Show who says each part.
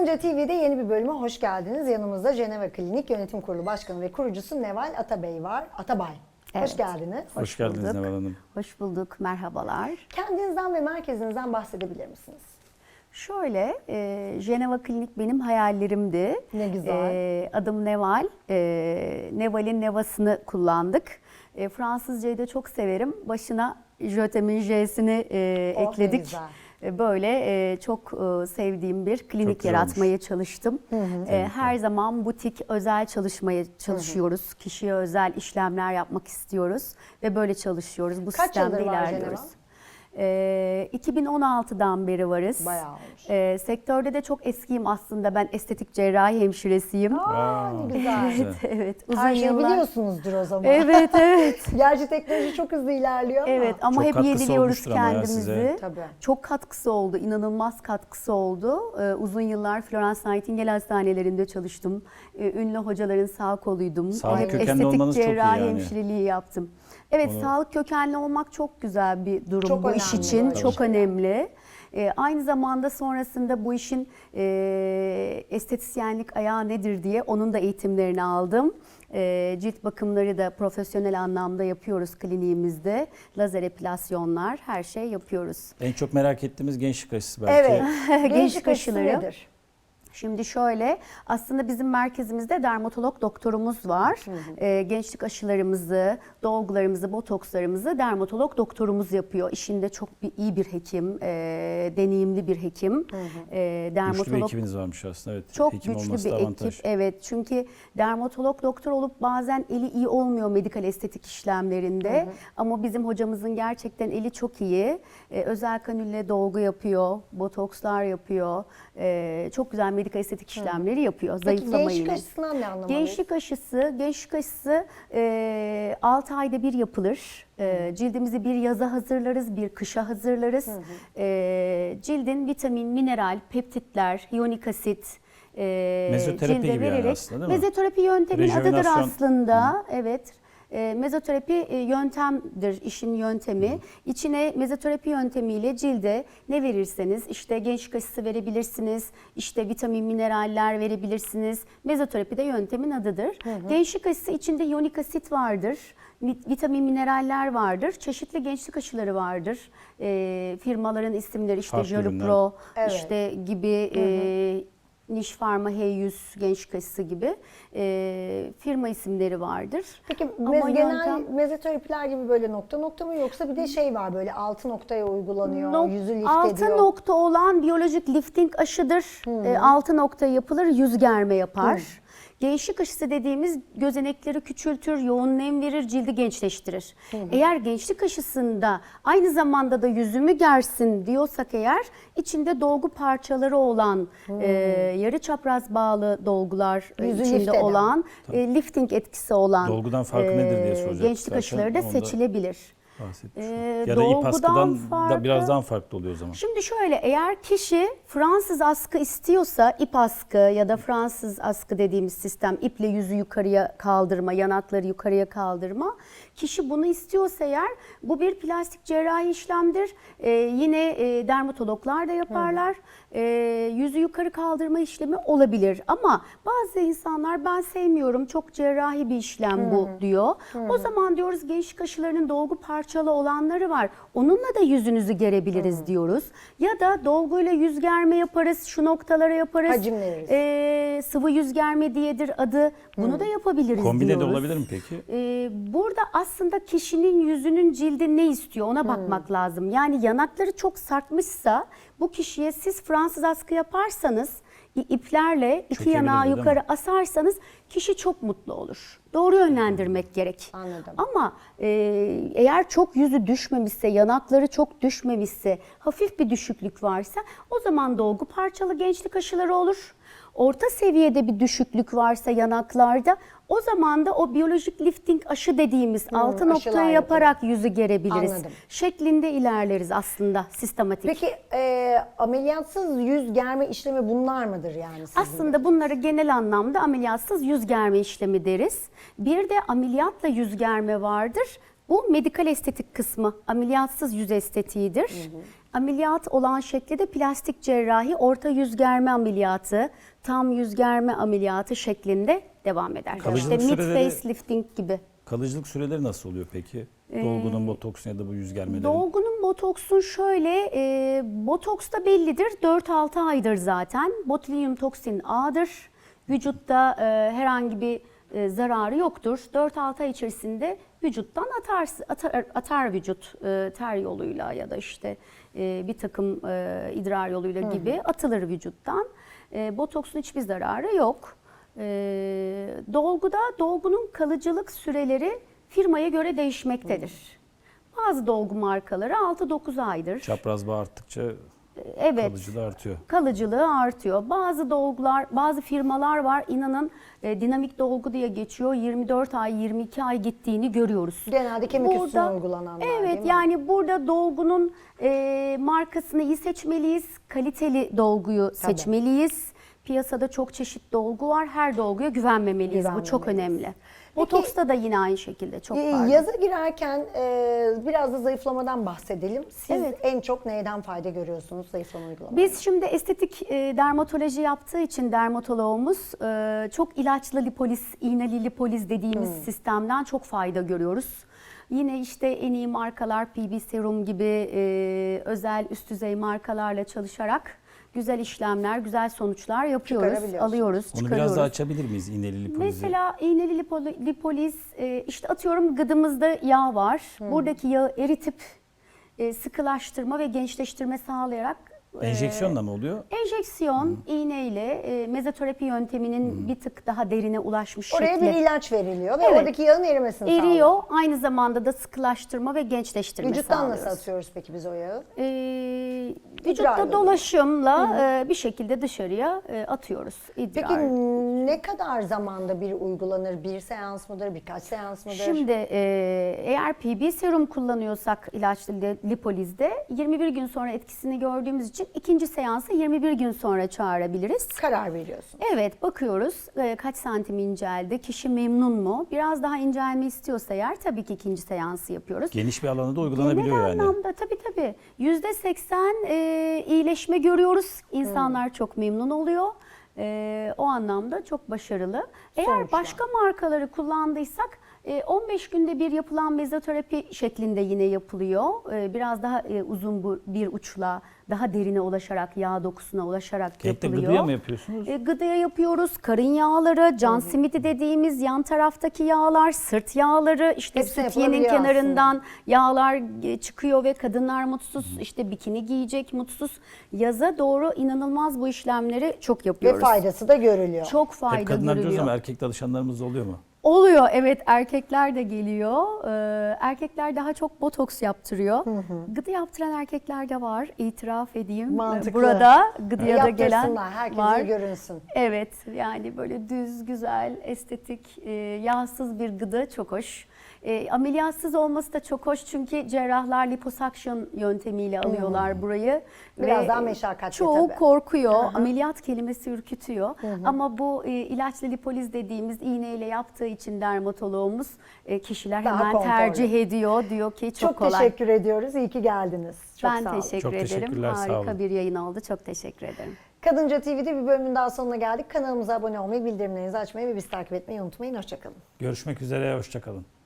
Speaker 1: Karınca TV'de yeni bir bölüme hoş geldiniz. Yanımızda Ceneva Klinik Yönetim Kurulu Başkanı ve kurucusu Neval Atabey var. Atabay.
Speaker 2: Evet.
Speaker 1: Hoş geldiniz.
Speaker 3: Hoş geldiniz Neval Hanım.
Speaker 2: Hoş bulduk, merhabalar.
Speaker 1: Kendinizden ve merkezinizden bahsedebilir misiniz?
Speaker 2: Şöyle, Ceneva Klinik benim hayallerimdi.
Speaker 1: Ne güzel.
Speaker 2: Adım Neval. Neval'in Neva'sını kullandık. Fransızcayı da çok severim. Başına Jötem'in J'sini ekledik.
Speaker 1: güzel.
Speaker 2: Böyle çok sevdiğim bir klinik yaratmaya çalıştım. Her zaman butik özel çalışmaya çalışıyoruz. Kişiye özel işlemler yapmak istiyoruz ve böyle çalışıyoruz. Bu
Speaker 1: Kaç
Speaker 2: sistemde
Speaker 1: yıldır var
Speaker 2: ilerliyoruz. 2016'dan beri varız.
Speaker 1: Bayağı olmuş.
Speaker 2: Sektörde de çok eskiyim aslında. Ben estetik cerrahi hemşiresiyim.
Speaker 1: Ne güzel.
Speaker 2: Evet, uzun
Speaker 1: Her şeyi
Speaker 2: yıllar.
Speaker 1: biliyorsunuzdur o zaman.
Speaker 2: Evet, evet.
Speaker 1: Gerçi teknoloji çok hızlı ilerliyor ama.
Speaker 2: Evet ama
Speaker 3: Çok
Speaker 2: hep
Speaker 3: katkısı
Speaker 2: yediliyoruz
Speaker 3: olmuştur ama ya
Speaker 2: kendimizi.
Speaker 3: size.
Speaker 1: Tabii.
Speaker 2: Çok katkısı oldu, inanılmaz katkısı oldu. Uzun yıllar Florence Nightingale hastanelerinde çalıştım. Ünlü hocaların sağ koluydum.
Speaker 3: Sağlık
Speaker 2: Hep
Speaker 3: kökenli
Speaker 2: estetik
Speaker 3: olmanız çok iyi
Speaker 2: cerrahi
Speaker 3: yani.
Speaker 2: hemşireliği yaptım. Evet, sağlık kökenli olmak çok güzel bir durum
Speaker 1: Çok
Speaker 2: bu iş
Speaker 1: önemli
Speaker 2: için.
Speaker 1: böyle
Speaker 2: Çok
Speaker 1: şeyler.
Speaker 2: önemli. Aynı zamanda sonrasında bu işin estetisyenlik ayağı nedir diye onun da eğitimlerini aldım. Cilt bakımları da profesyonel anlamda yapıyoruz kliniğimizde. Lazer epilasyonlar, her şey yapıyoruz.
Speaker 3: En çok merak ettiğimiz gençlik aşısı belki.
Speaker 1: Evet.
Speaker 2: Gençlik
Speaker 1: aşısı
Speaker 2: aşıları.
Speaker 1: nedir?
Speaker 2: Şimdi şöyle, aslında bizim merkezimizde dermatolog doktorumuz var. Gençlik aşılarımızı, dolgularımızı, botokslarımızı dermatolog doktorumuz yapıyor. İşinde çok iyi bir hekim, deneyimli bir hekim.
Speaker 3: Güçlü bir ekibiniz varmış aslında. Evet.
Speaker 2: Çok
Speaker 3: Hekim
Speaker 2: güçlü
Speaker 3: olması
Speaker 2: bir
Speaker 3: da avantaj.
Speaker 2: ekip. Evet, çünkü dermatolog doktor olup bazen eli iyi olmuyor medikal estetik işlemlerinde. Ama bizim hocamızın gerçekten eli çok iyi. Özel kanülle dolgu yapıyor, botokslar yapıyor. Çok güzel medikal estetik işlemleri yapıyor.
Speaker 1: Peki
Speaker 2: Zayıflama
Speaker 1: gençlik
Speaker 2: ile.
Speaker 1: aşısından ne anlamalıyız?
Speaker 2: Gençlik aşısı 6 ayda bir yapılır. Cildimizi bir yaza hazırlarız, bir kışa hazırlarız. Cildin vitamin, mineral, peptitler, iyonik asit
Speaker 3: Mezoterapi
Speaker 2: cilde
Speaker 3: gibi yani
Speaker 2: vererek.
Speaker 3: aslında, değil mi?
Speaker 2: Mezoterapi yöntemin adıdır
Speaker 3: Rejuvenasyon.
Speaker 2: aslında. Evet. Mezoterapi yöntemdir, işin yöntemi. İçine mezoterapi yöntemiyle cilde ne verirseniz, işte gençlik aşısı verebilirsiniz, işte vitamin, mineraller verebilirsiniz. Mezoterapi de yöntemin adıdır. Gençlik aşısı içinde iyonik asit vardır, vitamin, mineraller vardır, çeşitli gençlik aşıları vardır. Firmaların isimleri işte
Speaker 3: Farklı ürünler.
Speaker 2: Jolupro,
Speaker 1: Evet.
Speaker 2: işte gibi. Niş Pharma H100 gençlik aşısı gibi firma isimleri vardır.
Speaker 1: Peki
Speaker 2: Ama
Speaker 1: genel mezoterapiler gibi böyle nokta nokta mı yoksa bir de şey var böyle 6 noktaya uygulanıyor, yüzü lift
Speaker 2: 6
Speaker 1: ediyor.
Speaker 2: nokta olan biyolojik lifting aşıdır. 6 nokta yapılır, yüz germe yapar. Gençlik aşısı dediğimiz gözenekleri küçültür, yoğun nem verir, cildi gençleştirir. Eğer gençlik aşısında aynı zamanda da yüzümü gersin diyorsak eğer içinde dolgu parçaları olan yarı çapraz bağlı dolgular
Speaker 1: Yüzü
Speaker 2: içinde
Speaker 1: lift eden.
Speaker 2: olan lifting etkisi olan
Speaker 3: Dolgudan farkı nedir diye soracaktık
Speaker 2: gençlik
Speaker 3: zaten.
Speaker 2: aşıları da
Speaker 3: Onu da
Speaker 2: seçilebilir.
Speaker 3: bahsetmiş. Ya da ip
Speaker 2: Dolgudan
Speaker 3: askıdan da
Speaker 2: farkı-
Speaker 3: biraz daha farklı oluyor o zaman.
Speaker 2: Şimdi şöyle, eğer kişi Fransız askı istiyorsa ip askı ya da Fransız askı dediğimiz sistem, iple yüzü yukarıya kaldırma, yanakları yukarıya kaldırma. Kişi bunu istiyorsa eğer bu bir plastik cerrahi işlemdir. Yine dermatologlar da yaparlar. Yüzü yukarı kaldırma işlemi olabilir. Ama bazı insanlar ben sevmiyorum, çok cerrahi bir işlem bu diyor. O zaman diyoruz gençlik aşılarının dolgu parçalı olanları var. Onunla da yüzünüzü gerebiliriz diyoruz. Ya da dolguyla yüz germe yaparız, şu noktalara yaparız.
Speaker 1: Hacim veririz.
Speaker 2: Sıvı yüz germe diyedir adı. Bunu da yapabiliriz
Speaker 3: Kombine
Speaker 2: diyoruz.
Speaker 3: de olabilir mi peki?
Speaker 2: Burada aslında kişinin yüzünün cildi ne istiyor ona bakmak lazım. Yani yanakları çok sarkmışsa bu kişiye siz Fransız askı yaparsanız iplerle iki
Speaker 3: Çökebilir
Speaker 2: yanağı
Speaker 3: değil mi?
Speaker 2: yukarı asarsanız kişi çok mutlu olur. Doğru yönlendirmek gerek.
Speaker 1: Anladım.
Speaker 2: Ama eğer çok yüzü düşmemişse, yanakları çok düşmemişse, hafif bir düşüklük varsa o zaman dolgu parçalı gençlik aşıları olur. Orta seviyede bir düşüklük varsa yanaklarda o zaman da o biyolojik lifting aşı dediğimiz 6
Speaker 1: aşılar
Speaker 2: noktaya yaparak yüzü gerebiliriz.
Speaker 1: Anladım.
Speaker 2: Şeklinde ilerleriz aslında sistematik.
Speaker 1: Peki ameliyatsız yüz germe işlemi bunlar mıdır yani sizin?
Speaker 2: Aslında bunları genel anlamda ameliyatsız yüz germe işlemi deriz. Bir de ameliyatla yüz germe vardır. Bu medikal estetik kısmı, ameliyatsız yüz estetiğidir. Ameliyat olan şekli de plastik cerrahi, orta yüz germe ameliyatı, tam yüz germe ameliyatı şeklinde devam eder.
Speaker 3: Kalıcılık
Speaker 2: İşte mid
Speaker 3: süreleri-
Speaker 2: facelifting gibi.
Speaker 3: Kalıcılık süreleri nasıl oluyor peki? Dolgunun, botoksun ya da bu yüz germelerin.
Speaker 2: Dolgunun botoksun şöyle, botoks da bellidir, 4-6 aydır zaten. Botulinum toksin A'dır. Vücutta herhangi bir zararı yoktur. 4-6 ay içerisinde vücuttan atar vücut ter yoluyla ya da işte bir takım idrar yoluyla gibi atılır vücuttan. Botoksun hiçbir zararı yok. Dolgunun kalıcılık süreleri firmaya göre değişmektedir. Bazı dolgu markaları 6-9 aydır.
Speaker 3: Çapraz bağ arttıkça
Speaker 2: Evet.
Speaker 3: kalıcılığı artıyor.
Speaker 2: Kalıcılığı artıyor. Bazı dolgular, bazı firmalar var, inanın dinamik dolgu diye geçiyor. 24 ay, 22 ay gittiğini görüyoruz.
Speaker 1: Genelde kemik üstüne uygulananlar, değil
Speaker 2: Evet,
Speaker 1: mi?
Speaker 2: yani burada dolgunun markasını iyi seçmeliyiz. Kaliteli dolguyu seçmeliyiz. Piyasada çok çeşit dolgu var. Her dolguya güvenmemeliyiz. Bu çok
Speaker 1: Güvenmemeliyiz.
Speaker 2: önemli. Botoksta da yine aynı şekilde çok var.
Speaker 1: Yaza girerken biraz da zayıflamadan bahsedelim. Siz
Speaker 2: Evet.
Speaker 1: en çok neyden fayda görüyorsunuz zayıflama uygulamasında?
Speaker 2: Biz şimdi estetik dermatoloji yaptığı için dermatoloğumuz çok ilaçlı lipoliz, iğneli lipoliz dediğimiz sistemden çok fayda görüyoruz. Yine işte en iyi markalar PB Serum gibi özel üst düzey markalarla çalışarak güzel işlemler, güzel sonuçlar yapıyoruz,
Speaker 1: Çıkarabiliyorsunuz.
Speaker 2: alıyoruz,
Speaker 3: Onu
Speaker 2: çıkarıyoruz.
Speaker 3: biraz daha açabilir miyiz iğneli lipolizi?
Speaker 2: Mesela iğneli lipoliz, işte atıyorum gıdımızda yağ var. Buradaki yağı eritip sıkılaştırma ve gençleştirme sağlayarak
Speaker 3: Enjeksiyonla mı oluyor?
Speaker 2: enjeksiyon, iğneyle mezoterapi yönteminin bir tık daha derine ulaşmış
Speaker 1: Oraya
Speaker 2: şekli.
Speaker 1: bir ilaç veriliyor ve
Speaker 2: Evet.
Speaker 1: oradaki yağın erimesini sağlıyor.
Speaker 2: Eriyor, aynı zamanda da sıkılaştırma ve gençleştirme
Speaker 1: Vücuttan
Speaker 2: sağlıyoruz.
Speaker 1: nasıl atıyoruz peki biz o yağı?
Speaker 2: Vücutta
Speaker 1: İdrarla
Speaker 2: dolaşımla bir şekilde dışarıya atıyoruz. İdrar.
Speaker 1: Peki ne kadar zamanda bir uygulanır? Bir seans mıdır, birkaç seans mıdır?
Speaker 2: Şimdi eğer PB serum kullanıyorsak ilaçlı lipolizde 21 gün sonra etkisini gördüğümüz için ikinci seansı 21 gün sonra çağırabiliriz.
Speaker 1: Karar veriyorsun.
Speaker 2: Evet, bakıyoruz kaç santim inceldi, kişi memnun mu? Biraz daha incelme istiyorsa eğer tabii ki ikinci seansı yapıyoruz.
Speaker 3: Geniş bir alanda da uygulanabiliyor
Speaker 2: Genel
Speaker 3: yani.
Speaker 2: anlamda tabii. %80 iyileşme görüyoruz. İnsanlar çok memnun oluyor. O anlamda çok başarılı. Eğer
Speaker 1: Sonuçlar.
Speaker 2: başka markaları kullandıysak 15 günde bir yapılan mezoterapi şeklinde yine yapılıyor. Biraz daha uzun bir uçla, daha derine ulaşarak, yağ dokusuna ulaşarak
Speaker 3: Kekte
Speaker 2: yapılıyor.
Speaker 3: gıdıya mı yapıyorsunuz?
Speaker 2: Gıdaya yapıyoruz. Karın yağları, can simidi dediğimiz yan taraftaki yağlar, sırt yağları, işte
Speaker 1: Hepsi
Speaker 2: sütyenin
Speaker 1: yapılabiliyor
Speaker 2: kenarından yağlar çıkıyor ve kadınlar mutsuz, işte bikini giyecek mutsuz. Yaza doğru inanılmaz bu işlemleri çok
Speaker 1: Ve
Speaker 2: yapıyoruz.
Speaker 1: faydası da görülüyor.
Speaker 2: Çok
Speaker 3: Hep
Speaker 2: fayda
Speaker 3: kadınlar diyoruz
Speaker 2: görülüyor.
Speaker 3: ama erkek danışanlarımız da oluyor mu?
Speaker 2: Oluyor, evet, erkekler de geliyor. Erkekler daha çok botoks yaptırıyor. Gıda yaptıran erkekler de var, itiraf edeyim.
Speaker 1: Mantıklı.
Speaker 2: Burada gıdaya da gelen
Speaker 1: Yaptırsınlar, herkese
Speaker 2: var.
Speaker 1: görünsün.
Speaker 2: Evet, yani böyle düz, güzel, estetik, yağsız bir gıda çok hoş. Ameliyatsız olması da çok hoş çünkü cerrahlar liposuction yöntemiyle alıyorlar burayı.
Speaker 1: Biraz
Speaker 2: Ve
Speaker 1: daha meşakkatli
Speaker 2: çoğu
Speaker 1: tabii.
Speaker 2: korkuyor, ameliyat kelimesi ürkütüyor. Ama bu ilaçlı lipoliz dediğimiz iğneyle yaptığı için dermatoloğumuz kişiler
Speaker 1: Daha
Speaker 2: hemen
Speaker 1: konforlu.
Speaker 2: tercih ediyor. Diyor ki çok kolay.
Speaker 1: teşekkür ediyoruz. İyi ki geldiniz. Çok
Speaker 2: Ben
Speaker 1: sağ olun.
Speaker 2: teşekkür
Speaker 3: Çok
Speaker 2: ederim.
Speaker 3: teşekkürler, sağ
Speaker 2: Harika
Speaker 3: olun.
Speaker 2: bir yayın oldu. Çok teşekkür ederim.
Speaker 1: Kadınca TV'de bir bölümün daha sonuna geldik. Kanalımıza abone olmayı, bildirimlerinizi açmayı ve bizi takip etmeyi unutmayın. Hoşçakalın.
Speaker 3: Görüşmek üzere, hoşça kalın.